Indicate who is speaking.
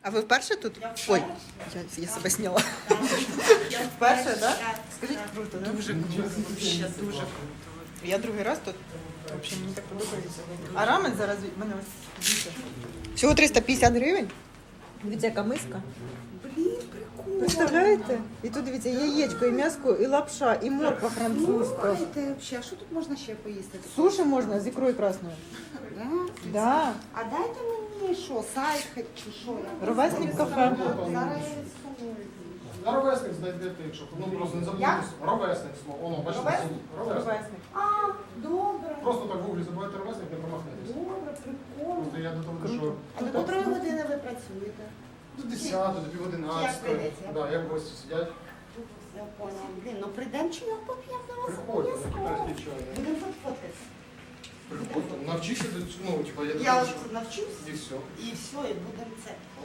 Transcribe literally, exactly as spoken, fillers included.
Speaker 1: А ви вперше тут?
Speaker 2: Я
Speaker 1: Ой,
Speaker 2: вперше.
Speaker 1: я, я себе зняла.
Speaker 2: Я
Speaker 1: Вперше, так?
Speaker 2: Так.
Speaker 1: Скажіть, круто, да? Дуже круто, ще дуже круто. Я другий раз тут. Взагалі, мені так подобається. А рамен зараз в мене ось дивіться. Всього триста п'ятдесят гривень. Дивіться, яка миска.
Speaker 2: Блін, прикольно.
Speaker 1: Представляєте? І тут дивіться, яєчко, і м'яско, і лапша, і морква французька.
Speaker 2: Слухайте, взагалі, а що тут можна ще поїсти?
Speaker 1: Суші можна з ікрою красною.
Speaker 2: Да?
Speaker 1: Да.
Speaker 2: А дайте мені що, сайт хоч чи що? Я
Speaker 1: Ровесник кафе.
Speaker 2: Зараз я відсканую.
Speaker 3: На ровесник знайдете, якщо ну просто не забудьте. Ровесник слово. Воно, бачите,
Speaker 2: Ровесник?
Speaker 3: ровесник.
Speaker 1: Ровесник.
Speaker 2: А, добре.
Speaker 3: Просто так в гуглі забивайте ровесник, не промахнетесь.
Speaker 2: Добре, прикольно.
Speaker 3: Просто я до того, що
Speaker 2: А до котрої години ви працюєте?
Speaker 3: до десятої, до пів одинадцятої.
Speaker 2: прийдеться?
Speaker 3: Да, як гості сидять,
Speaker 2: Я поняла. Блін, ну прийдемо чи його поп'ємо до вас
Speaker 3: приходьте, на
Speaker 2: обов'язково.
Speaker 3: китайський чай.
Speaker 2: Будемо тут фоткатися.
Speaker 3: Приходьте, навчися до цього, ну, типа, я
Speaker 2: Я
Speaker 3: думаю,
Speaker 2: от
Speaker 3: що
Speaker 2: навчусь
Speaker 3: і все.
Speaker 2: і все, і будемо це.